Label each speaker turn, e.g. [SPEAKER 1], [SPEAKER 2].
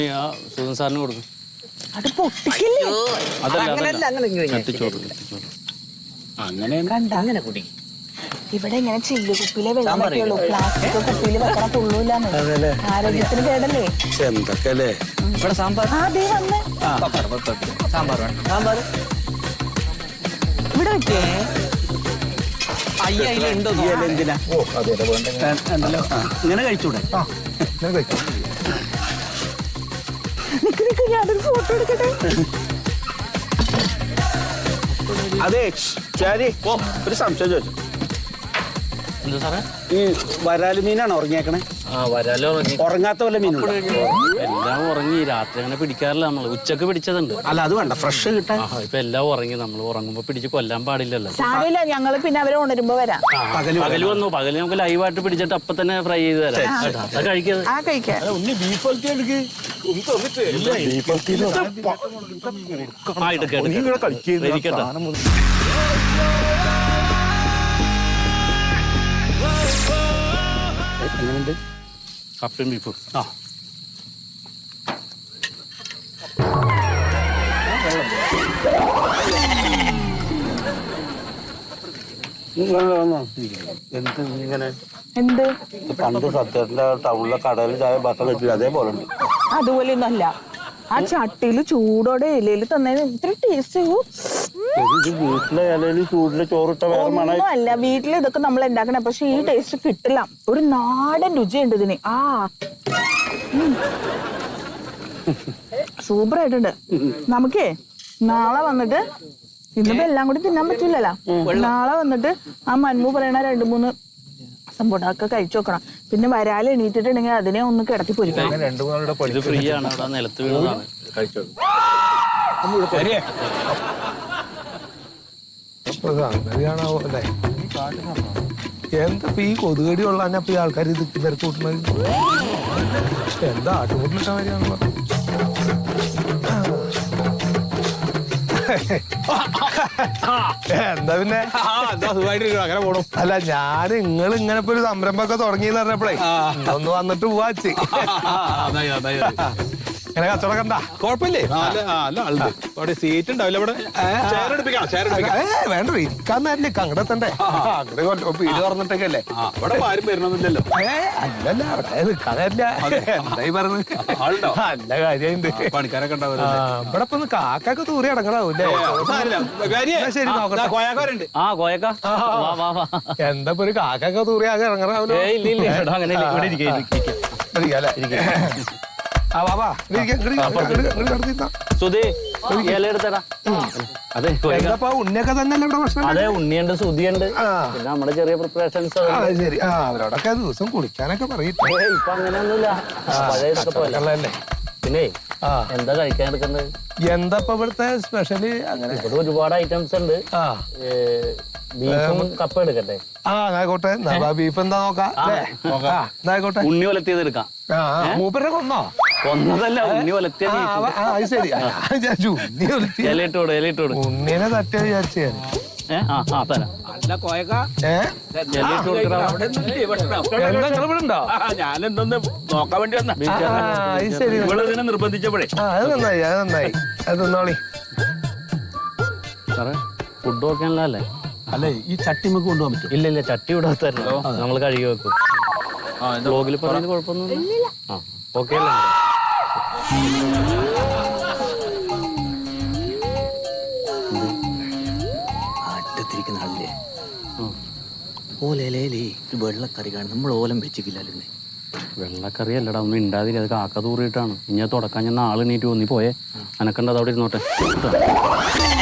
[SPEAKER 1] സുധൻ സാറിന് കൊടുക്കും.
[SPEAKER 2] അത് പൊട്ടിക്കില്ലേ?
[SPEAKER 1] അങ്ങനെ കുടി.
[SPEAKER 2] ഇവിടെ ഇങ്ങനെ ചില്ല് കുപ്പിയിലെ വെള്ളമൊക്കെ ഉള്ളൂ. പ്ലാസ്റ്റിക് കുപ്പിയിൽ വെക്കണ തുള്ളൂല്ലാന്ന്. ആരോഗ്യത്തിന് കേടല്ലേ?
[SPEAKER 3] എന്തൊക്കെയല്ലേ ഇവിടെ സാമ്പാർ.
[SPEAKER 2] അതേ വന്ന്
[SPEAKER 3] സാമ്പാർ സാമ്പാർ
[SPEAKER 2] ഇവിടെ വെക്കേ.
[SPEAKER 3] അയ്യുണ്ടോ എന്തിനാ? ഉണ്ടല്ലോ, ഇങ്ങനെ കഴിച്ചൂടെ?
[SPEAKER 2] നിക്ക് നിക്ക്, ഞാനൊരു ഫോട്ടോ എടുക്കട്ടെ.
[SPEAKER 3] അതെ ശരി. ഒരു സംശയം ചോദിച്ചു.
[SPEAKER 1] എന്താ സാറേ?
[SPEAKER 3] ഈ വരാല് മീനാണ് ഉറങ്ങിയേക്കണേ?
[SPEAKER 1] വരാലോ
[SPEAKER 3] ഉറങ്ങാത്ത വല്ല മീനും
[SPEAKER 1] എല്ലാം ഉറങ്ങി. രാത്രി അങ്ങനെ പിടിക്കാറില്ല നമ്മള്. ഉച്ചക്ക് പിടിച്ചതുണ്ട്.
[SPEAKER 3] അല്ല അത് വേണ്ട, ഫ്രഷ് കിട്ടാൻ.
[SPEAKER 1] ഇപ്പൊ എല്ലാം ഉറങ്ങി. നമ്മൾ ഉറങ്ങുമ്പോ പിടിച്ച് കൊല്ലാൻ പാടില്ലല്ലോ.
[SPEAKER 2] സാരമില്ല, ഞങ്ങള് പിന്നെ അവരെ ഉണരുമ്പോ വരാം.
[SPEAKER 1] പകല് വന്നു. പകല് നമുക്ക് ലൈവായിട്ട് പിടിച്ചിട്ട് അപ്പൊ തന്നെ ഫ്രൈ ചെയ്ത് തരാം. അതാ കഴിക്കുന്നത്.
[SPEAKER 2] ആ കഴിക്കാം.
[SPEAKER 1] എങ്ങനെയുണ്ട് കപ്പയും ബീഫും?
[SPEAKER 3] എന്ത് ഇങ്ങനെ?
[SPEAKER 2] എന്ത്
[SPEAKER 3] പണ്ട് സത്യത്തിന്റെ ടൗണിലെ കടയിൽ ചായ ഭക്ഷണം വെച്ചില്ല, അതേപോലെ ഉണ്ട്.
[SPEAKER 2] അതുപോലെ ഒന്നും അല്ല. ആ ചട്ടിയില് ചൂടോടെ ഇലയിൽ തന്നതിന് ഇത്ര ടേസ്റ്റ്.
[SPEAKER 3] വീട്ടിലെ ഇലയിൽ ചൂടില് ചോറിട്ട വേറെ മണം.
[SPEAKER 2] ഒന്നും അല്ല, വീട്ടിൽ ഇതൊക്കെ നമ്മൾ ഉണ്ടാക്കണ, പക്ഷെ ഈ ടേസ്റ്റ് കിട്ടില്ല. ഒരു നാടൻ രുചിയുണ്ട് ഇതിന്. സൂപ്പർ ആയിട്ടുണ്ട്. നമുക്കേ നാളെ വന്നിട്ട്, ഇന്നിപ്പോ എല്ലാം കൂടി തിന്നാൻ പറ്റില്ലല്ലോ. നാളെ വന്നിട്ട് ആ മന്മു പറയണ 2-3 സംഭവമൊക്കെ കഴിച്ചു നോക്കണം. പിന്നെ വരാൽ എണീറ്റിട്ടുണ്ടെങ്കിൽ അതിനെ ഒന്ന് കിടത്തി പൊരിക്കണം.
[SPEAKER 1] ഇത് ഫ്രീ ആണ്. അവിടെ നിലത്ത് വീണതാണ്. കഴിച്ചോ.
[SPEAKER 4] എന്താ ഈ കൊതുകടി ഉള്ള ഈ ആൾക്കാർ ഇത് തിരക്ക് കൂട്ടുന്നത്? എന്താ ആട്ടുകൂട്ടിലിട്ട കാര്യമാണല്ലോ. എന്താ പിന്നെ അങ്ങനെ പോണു. അല്ല, ഞാൻ നിങ്ങൾ ഇങ്ങനെ ഇപ്പൊ ഒരു സംരംഭമൊക്കെ തുടങ്ങിയെന്ന് പറഞ്ഞപ്പോഴേ ഒന്ന് വന്നിട്ട് പോവാച്ചി. ഇങ്ങനെ കച്ചവടം കണ്ടാ
[SPEAKER 5] കുഴപ്പമില്ലേ? സീറ്റ് ഉണ്ടാവില്ല ഇവിടെ.
[SPEAKER 4] വേണ്ട, ഇരിക്കാൻ നേരില്ല. അങ്ങടെത്തണ്ടേ? അങ്ങോട്ട് വീട് തുറന്നിട്ടൊക്കെ അല്ലേ?
[SPEAKER 5] ഇവിടെ ആരും വരണമില്ലല്ലോ.
[SPEAKER 4] അല്ലല്ല, അവിടെ നിൽക്കാൻ നേരില്ല. എന്തായി പറഞ്ഞത്? നല്ല കാര്യമുണ്ട്.
[SPEAKER 5] പണിക്കാരൊക്കെ ഉണ്ടാവില്ല.
[SPEAKER 4] ഇവിടെ ഇപ്പൊ കാക്കൊക്കെ തൂറി അടങ്ങണാവൂല്ലേ? ശരി, നോക്കട്ടെ. എന്താ ഇപ്പൊ ഒരു കാക്കൊക്കെ തൂറി ആകെ ഇറങ്ങണാവൂലേ? ഉണ്ണിയൊക്കെ തന്നെ പ്രശ്നം.
[SPEAKER 1] അതെ, ഉണ്ണിയുണ്ട്, സുധിയുണ്ട്, പിന്നെ നമ്മുടെ ചെറിയ പ്രിപ്പറേഷൻസ്.
[SPEAKER 4] ശരി, അവരോടൊക്കെ ദിവസം കുളിക്കാനൊക്കെ പറയും.
[SPEAKER 1] ഇപ്പൊ അങ്ങനെയൊന്നുമില്ല. പഴയതൊക്കെ. പിന്നെ എന്താ കഴിക്കാൻ എടുക്കുന്നത്?
[SPEAKER 4] എന്താ ഇവിടുത്തെ സ്പെഷ്യല്? അങ്ങനെ
[SPEAKER 1] ഇവിടെ ഒരുപാട് ഐറ്റംസ് ഉണ്ട്. ബീഫും കപ്പ എടുക്കട്ടെ?
[SPEAKER 4] ആയിക്കോട്ടെ. ബീഫ് എന്താ നോക്കാം.
[SPEAKER 1] ഉണ്ണി ഒലത്തിയത് എടുക്കാം.
[SPEAKER 4] മൂപ്പരെ കൊന്നോ?
[SPEAKER 1] കൊന്നതല്ല, ഉണ്ണി ഒലത്തിയത്.
[SPEAKER 4] ശരി,
[SPEAKER 1] ഇലയിട്ടോട്.
[SPEAKER 4] ഉണ്ണിനെ തട്ടിയ വിചാരിച്ചു.
[SPEAKER 5] ഞാനെന്തൊന്ന് നോക്കാൻ വേണ്ടി വന്ന. നിർബന്ധിച്ചപ്പോഴേ
[SPEAKER 4] അത് നന്നായി, അത് നന്നായി. അത് തിന്നോളി.
[SPEAKER 1] സാറേ, ഫുഡ് നോക്കാനല്ലോ അല്ലേ?
[SPEAKER 5] അല്ലേ, ഈ ചട്ടി നമുക്ക് കൊണ്ടുപോകാൻ പറ്റും?
[SPEAKER 1] ഇല്ല, ചട്ടി ഇവിടെ തരല്ലോ. നമ്മൾ കഴുകി വെക്കും. ബ്ലോഗിൽ പറഞ്ഞത് കുഴപ്പമൊന്നുമില്ല. ഓക്കെ അല്ലേ?
[SPEAKER 6] അറ്റത്തിരിക്കുന്ന ആളില്ലേ, ഓലയിലേ ഒരു വെള്ളക്കറി കാണും. നമ്മൾ ഓലം വെച്ചിട്ടില്ലല്ലേ?
[SPEAKER 1] വെള്ളക്കറി അല്ലടാ, ഒന്നും ഉണ്ടാതില്ല. അത് കാക്ക തൂറിയിട്ടാണ്. ഇനി തുടക്കാൻ ഞാൻ നാളെ എണീറ്റ് പോന്നീ പോയേ. അനക്കണ്ടത് അവിടെ ഇരുന്നോട്ടെ.